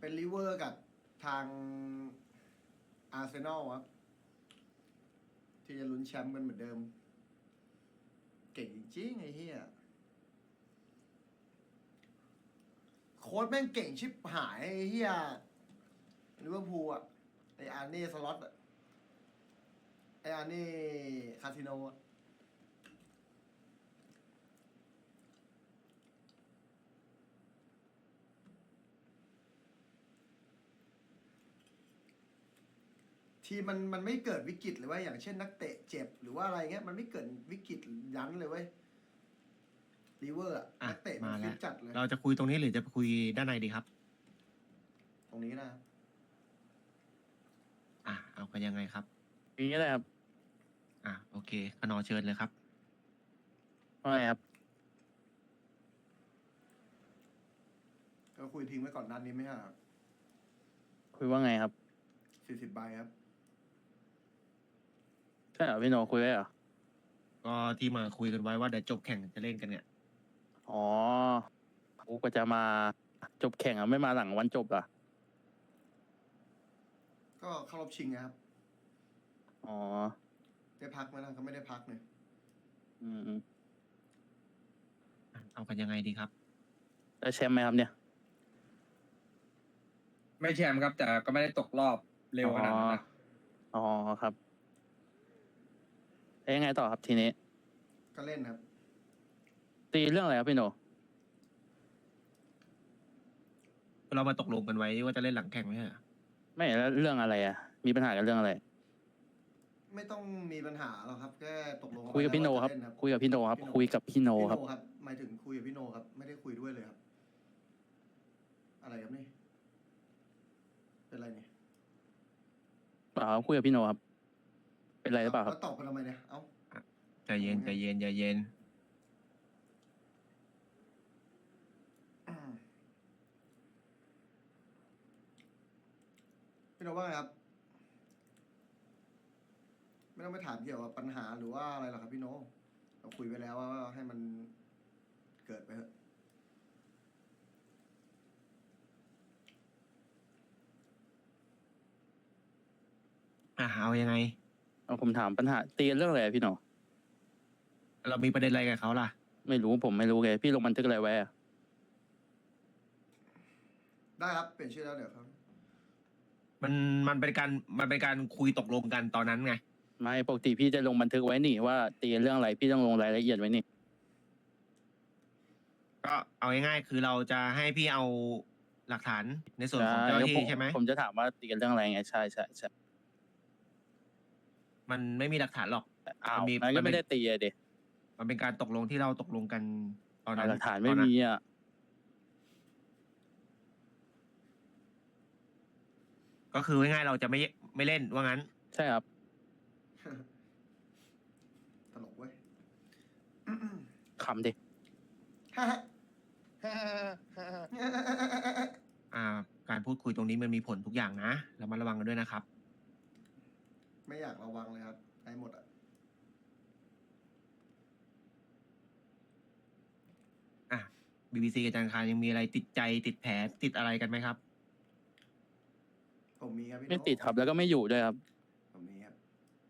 เป็นลิเวอร์กับทางอาร์เซนอลครับที่จะลุ้นแชมป์กันเหมือนเดิม เก่งจริงๆไอ้เหี้ยโค้ชแม่งเก่งชิบหายไอ้เหี้ยลิเวอร์พูลอ่ะไอ้อาร์เน่สล็อตอ่ะไอ้อาร์เน่คาสิโนอ่ะทีมมันไม่เกิดวิกฤตเลยเว่าอย่างเช่นนักเตะเจ็บหรือว่าอะไรเงี้ยมันไม่เกิดวิกฤตยันเลยเว้ยลิเวอร์อ่ะอ่ะนักเตะมัมานฟิแล้ตวจัดเลยเราจะคุยตรงนี้หรือจะคุยด้านในดีครับตรงนี้นะเอากันยังไงครับอย่างนี้เลยครับโอเคขนอเชิญเลยครับว่าไงครับก็คุยทิ้งไว้ก่อนนัดนี้ไหมฮะคุยว่าไงครับ 40 ใบครับใช่เหรอพี่โนคุยไว้เหรอก็ที่มาคุยกันไว้ว่าเดี๋ยวจบแข่งจะเล่นกันเนี่ยอ๋อกูก็จะมาจบแข่งอ่ะไม่มาหลังวันจบอ่ะก็เข้ารอบชิงนะครับอ๋อได้พักไหมล่ะก็ไม่ได้พักเนี่ยอืมเอากันยังไงดีครับแล้วแชมป์ไหมครับเนี่ยไม่แชมป์ครับแต่ก็ไม่ได้ตกรอบเร็วขนาดนั้นนะอ๋อครับแล้วยังไงต่อครับทีนี้ก็เล่นครับตีเรื่องอะไรครับพี่โนเรามาตกลงกันไว้ว่าจะเล่นหลังแข่งไหมฮะไม่แล้วเรื่องอะไรอ่ะ มีปัญหากันเรื่องอะไรไม่ต้องมีปัญหาหรอกครับแค่ตกลงคุยกับพี่โนครับว่าจะเล่คุยกับพี่โนครับ คุยกับพี่โนพี่ครับโนครับหมายถึงคุยกับพี่โนครับ ไม่ได้คุยด้วยเลยครับ อะไรครับนี่ เป็นไรเนี่ยเปล่าครับคุยกับพี่โนครับ เป็นไรหรือเปล่าครับแล้วตอบกันทำไมเนี่ย เอ้าใจเย็นใจเย็นใจเย็นพี่โนว่าไงครับ ไม่ต้องไปถามเกี่ยวกับปัญหาหรือว่าอะไรหรอกครับพี่โนเราคุยไปแล้วว่าให้มันเกิดไปเถอะเอายังไงเอาผมถามปัญหาตีเรื่องอะไรอะพี่โนเรามีประเด็นอะไรกับเขาล่ะไม่รู้ผมไม่รู้ไงพี่ลงบันทึกอะไรไว้อะได้ครับ เปลี่ยนชื่อแล้วเดี๋ยวครับมันเป็นการคุยตกลงกันตอนนั้นไงไม่ปกติพี่จะลงบันทึกไว้นี่ว่าตีเรื่องอะไรพี่ต้องลงรายละเอียดไว้นี่ก็เอาง่ายๆคือเราจะให้พี่เอาหลักฐานในส่วนของเจ้าหน้าที่ใช่ไหมผมจะถามว่าตีกันเรื่องอะไรไงใช่ใช่ใช่มันไม่มีหลักฐานหรอกอ้าวมันมีงั้นก็ไม่ได้ตีอะเด็มันเป็นการตกลงที่เราตกลงกันตอนนั้นหลักฐานไม่มีอ่ะก็คือง่ายๆเราจะไม่เล่นว่างั้นใช่ครับตลกเว้ยขำดิการพูดคุยตรงนี้มันมีผลทุกอย่างนะเรามาระวังกันด้วยนะครับไม่อยากระวังเลยครับได้หมดอ่ะ BBC กับจันทร์คารยังมีอะไรติดใจติดแผลติดอะไรกันไหมครับผมมีครับพี่โนไม่ติดครับแล้วก็ไม่อยู่ด้วยครับผมมีครับ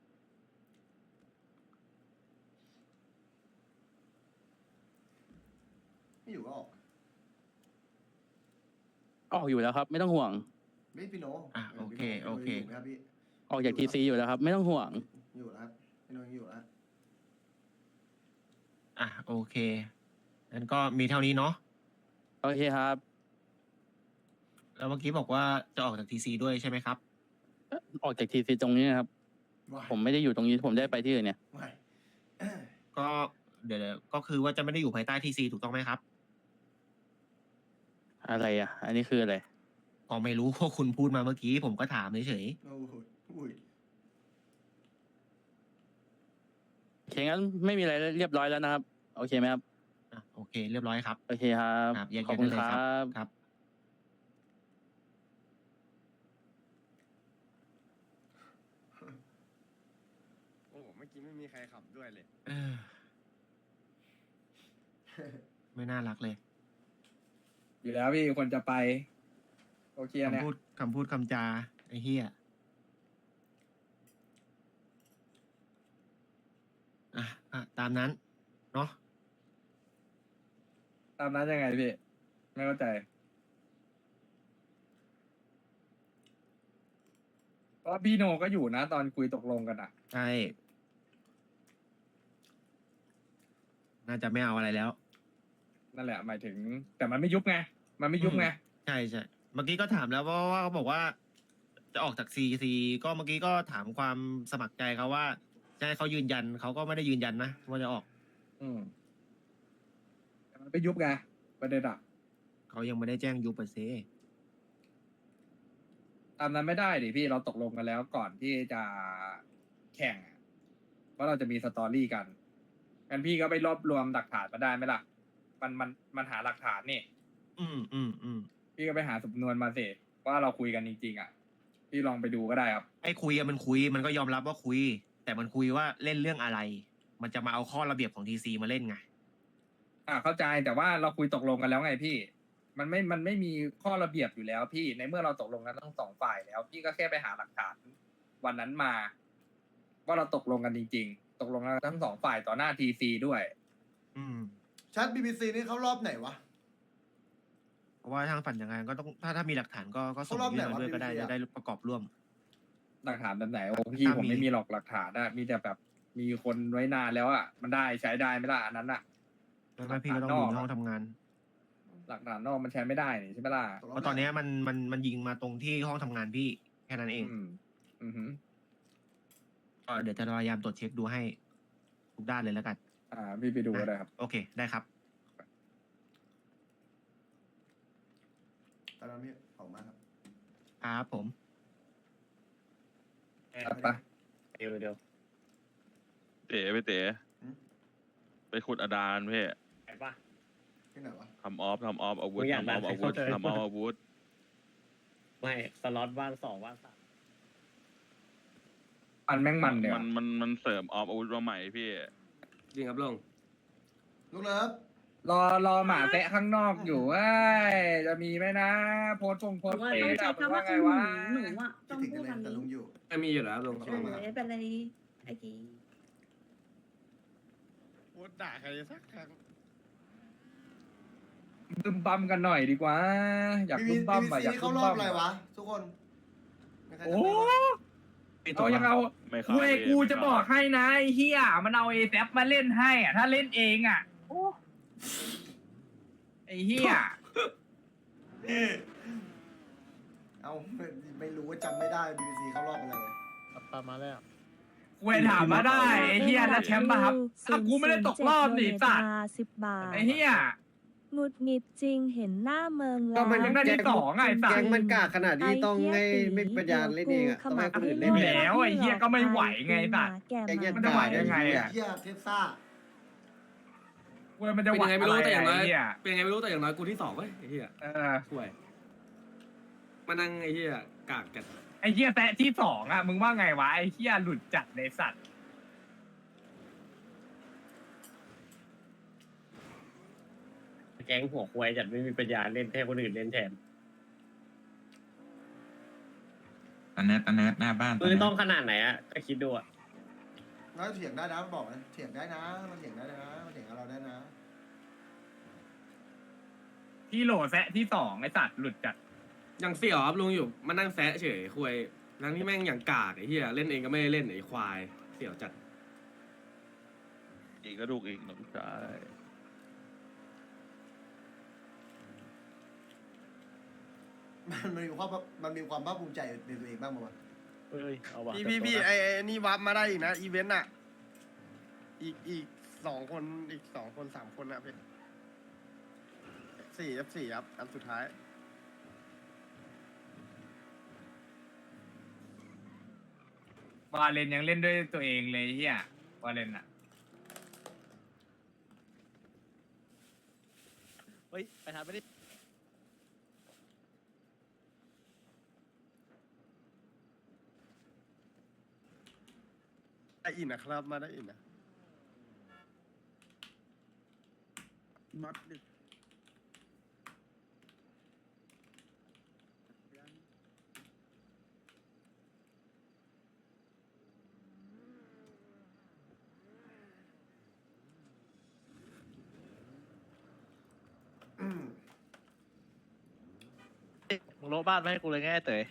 ไม่อยู่ก็ออกออกอยู่แล้วครับ ไม่ต้องห่วงไม่พี่โนโอเคพี่โนโอเคยู่ไหมครับพี่ออกจากทีซีอยู่แล้วครับ ไม่ต้องห่วงอยู่แล้วครับพี่โนยังอยู่แล้วโอเคงั้นก็มีเท่านี้เนาะโอเคครับแล้วเมื่อกี้บอกว่าจะออกจากทีซีด้วยใช่ไหมครับออกจากทีซีตรงนี้นะครับ ผมไม่ได้อยู่ตรงนี้ผมได้ไปที่อื่นเนี่ยไม่ก็เดี๋ยวก็คือว่าจะไม่ได้อยู่ภายใต้ทีซีถูกต้องไหมครับอะไรอ่ะ อันนี้คืออะไรก็ไม่รู้ เพราะคุณพูดมาเมื่อกี้ผมก็ถามเฉยโอ้โหอุ้ยโอเคงั้นไม่มีอะไรเรียบร้อยแล้วนะครับ โอเคไหมครับโอเค เรียบร้อยครับโอเคครับครับแยกขอบย้ายคุกัณนเลยคครัรับ ครับโอ้โหเมื่อกี้ไม่มีใครขับด้วยเลยเออไม่น่ารักเลยอยู่แล้วพี่คนจะไป โอเคอันเนี้ยคำพูดคำจาไอ้เหี้ยอ่ะตามนั้นเนาะตามนั้นยังไงพี่ ไม่เข้าใจเพราะพี่โนก็อยู่นะตอนคุยตกลงกันอ่ะใช่ น่าจะไม่เอาอะไรแล้วนั่นแหละหมายถึง แต่มันไม่ยุบไง มันไม่ยุบไงใช่ใช่เมื่อกี้ก็ถามแล้วว่าเขาบอกว่า จะออกจากซีก็เมื่อกี้ก็ถามความสมัครใจเขาว่าจะให้เขายืนยันเขาก็ไม่ได้ยืนยันนะว่าจะออกอืมแต่มันไม่ยุบไงประเด็นอ่ะเขายังไม่ได้แจ้งยูปเซตามนั้นไม่ได้ดิพี่เราตกลงกันแล้วก่อนที่จะแข่งอะว่าเราจะมีสตอรี่กันงั้นพี่ก็ไปรวบรวมหลักฐานมาได้ไหมล่ะ มันหาหลักฐานนี่ พี่ก็ไปหาสำนวนมาสิว่าเราคุยกันจริงๆอ่ะ พี่ลองไปดูก็ได้ครับไอ้คุยอะมันคุยมันก็ยอมรับว่าคุย แต่มันคุยว่าเล่นเรื่องอะไร มันจะมาเอาข้อระเบียบของทีซีมาเล่นไงเข้าใจแต่ว่าเราคุยตกลงกันแล้วไงพี่ มันไม่มีข้อระเบียบอยู่แล้วพี่ในเมื่อเราตกลงกันทั้งสองฝ่ายแล้ว พี่ก็แค่ไปหาหลักฐานวันนั้นมา ว่าเราตกลงกันจริงๆ ตกลงกันทั้งสองฝ่ายต่อหน้าทีซีด้วยชัด BBC นี่เขารอบไหนวะเพราะว่าทางฝันยังไงก็ต้องถ้ามีหลักฐานก็ส่งเขารอบยื่นไหนมาวะด้วยก็ได้ BBC จะได้ประกอบร่วมหลักฐานแบบไหนโอ้พี่ถ้าผมมีไม่มีหรอกหลักฐานนะมีแต่แบบมีคนไว้นานแล้วอ่ะมันได้ใช้ได้ไหมล่ะอันนั้นอ่ะแล้วก็พี่ก็ต้องอยู่ในห้องทำงานหลักฐานนอกมันใช้ไม่ได้นี่ใช่ไหมล่ะเพราะตอนเนี้ยมันยิงมาตรงที่ห้องทำงานพี่แค่นั้นเองอือหือก็เดี๋ยวจะพยายามตรวจเช็คดูให้ทุกด้านเลยแล้วกันพี่ไปดูก็ได้ครับโอเคได้ครับตอนนั้นพี่ออกมาครับครับผมไปเดี๋ยวเต๋ไปเต๋หืมไปขุดอดานเพ่ไปป่ะที่ไหนวะทำออฟอาวุธกูอยากทำออฟได้อาวุธใครเข้าใจทำออฟอาวุธไม่สล็อตว่าง2ว่าง3 มันแม่งมันเดี๋ยวมันเสริมออฟอาวุธมาใหม่พี่จริงครับลุงลูกเลิฟรอหมาแตะข้างนอกอยู่เว้ยจะมีไหมนะ โพสต์โพสต์ว่าเฟต้องซใช้อะคำว่าไงคือหวะนูอ่ะคิต้ดองถึงพูกัดนเลยคำแต่นี้ลุงอยู่ไม่มีอยู่แล้วลุงใช่ไม่เป็นไรไอ้กีพูดด่าใครสักครั้งบึมบัมกันหน่อยดีกว่า อยากบึมบัม BBC อะอยากนี่บึเขามรอบับมอะไรวะ ทุกคนมีใครจำโอ้ได้ปะเอายังเอาไม่เข้าเว้ยเลยกูไม่จะเข้าบอกให้นะไอ้เฮียมันเอาเอแซมาเล่นให้อ่ะ ถ้าเล่นเองอ่ะโอ้ไอ้เฮียเอาไม่รู้ว่าจำไม่ได้ BBC เขารอบอะไรเลยตามมาแล้วเวยถามมาได้ไอ้เฮียแล้วแชมป์ป่ะครับถ้ากูไม่ได้ตกรอบดิสัตว์ 10 บาทไอ้เฮียหงุดหงิดจริงเห็นหน้าเมืองแล้วก็มันยังได้ที่สองไงไอ้สัตว์แก๊งมันกากขนาดนี้ต้องให้ไม่ปัญญาเล่นเองอะต้องให้คนอื่นเล่นอยู่แล้วไอ้เหี้ยก็ไม่ไหวไงสัตว์แกมันจะไหวได้ไงอะเฮียเทปซ่าเว้ยมันจะเป็นไหวยังไงไม่รู้แต่อย่างน้อยไอ้เฮียเป็นยังไงไม่รู้แต่อย่างน้อยกูที่2เว้ยไอ้เหี้ยช่วยมานั่งไอ้เหี้ยกากกันไอ้เฮียแตะที่สองอ่ะมึงว่าไงวะไอ้เฮียหลุดจัดในสัตว์แก๊งหัวควายจัดไม่มีปัญญาเล่นให้คนอื่นเล่นแทนตอนเนิร์ดหน้าบ้านมือต้องขนาดไหนอ่ะก็คิดดูอ่ะแล้วเถียงได้นะบอกนะเถียงได้นะมันเถียงได้นะมันเถียงกับเราได้นะที่โหลแซะที่สองไอ้สัตว์หลุดจัดยังเสี่ยวครับลุงอยู่มานั่งแซะเฉยคุยนั่งที่แม่งอย่างกากไอ้เหี้ยเล่นเองก็ไม่ได้เล่นไอ้ควายเสี่ยวจัดอีกกระดูกอีกน้องชายมันมีความภาคภูมิใจในตัวเองบ้างมั้ยเอ้ยเอาว่ะพี่ไอ้นี่วับมาได้อีกนะอีเวนต์อะอีก2 คนอีก2 คน3 คนนะพี่4 ครับอันสุดท้ายวาเลนยังเล่นด้วยตัวเองเลยเฮียวาเลนอ่ะเฮ้ย ไปทำไม่ได้ได้อินนะครับมาได้อินนะมัดดิมึงโลบ้านมาให้กูเลยง่ายเต๋ย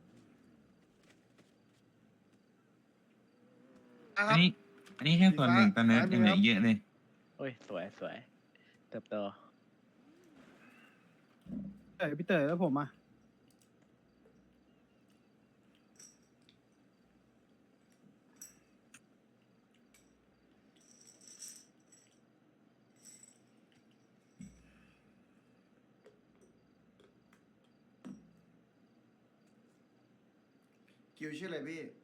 อ่ะคอัรันบนี้ อันนี้แค่ส่วนหนึ่งตอนนี้ซ้ายมืยัองเหลืครัอบ เยอะเลยโอ้ยสวยสวยเติบโตพี่เต๋อแล้วผมอ่ะคิวชื่ออะไรพี่